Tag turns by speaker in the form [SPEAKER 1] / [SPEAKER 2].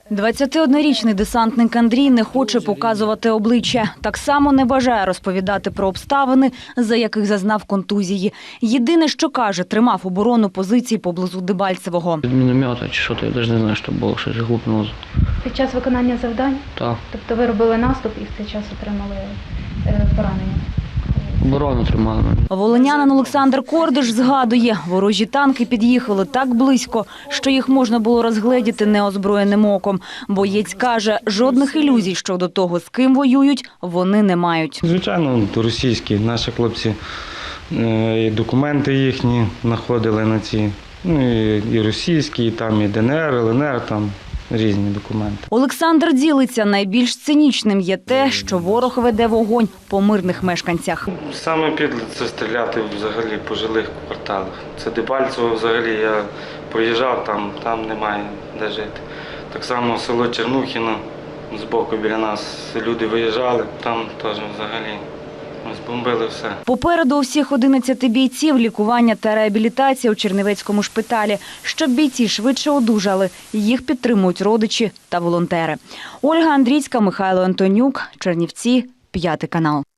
[SPEAKER 1] 21-річний десантник Андрій не хоче показувати обличчя. Так само не бажає розповідати про обставини, за яких зазнав контузії. Єдине, що каже, тримав оборону позицій поблизу Дебальцевого.
[SPEAKER 2] Від міномета чи що, я навіть не знаю, що було, щось глупнуло.
[SPEAKER 3] Під час виконання завдань?
[SPEAKER 2] Так.
[SPEAKER 3] Тобто ви робили наступ і в цей час отримали поранення?
[SPEAKER 2] Оборону тримали.
[SPEAKER 1] Волинянин Олександр Кордиш згадує, ворожі танки під'їхали так близько, що їх можна було розгледіти неозброєним оком. Боєць каже, жодних ілюзій щодо того, з ким воюють, вони не мають.
[SPEAKER 4] Звичайно, російські. Наші хлопці, і документи їхні знаходили на ці, і російські, і там і ДНР, ЛНР, там різні документи.
[SPEAKER 1] Олександр ділиться, найбільш цинічним є те, що ворог веде вогонь по мирних мешканцях.
[SPEAKER 4] Саме підле це стріляти взагалі по жилих кварталах. Це Дебальцево взагалі, я проїжджав, там немає де жити. Так само село Чернухіно, збоку біля нас люди виїжджали, там теж взагалі збомбили все.
[SPEAKER 1] Попереду у всіх 11 бійців лікування та реабілітація у Чернівецькому шпиталі. Щоб бійці швидше одужали, їх підтримують родичі та волонтери. Ольга Андрійська, Михайло Антонюк, Чернівці, 5 канал.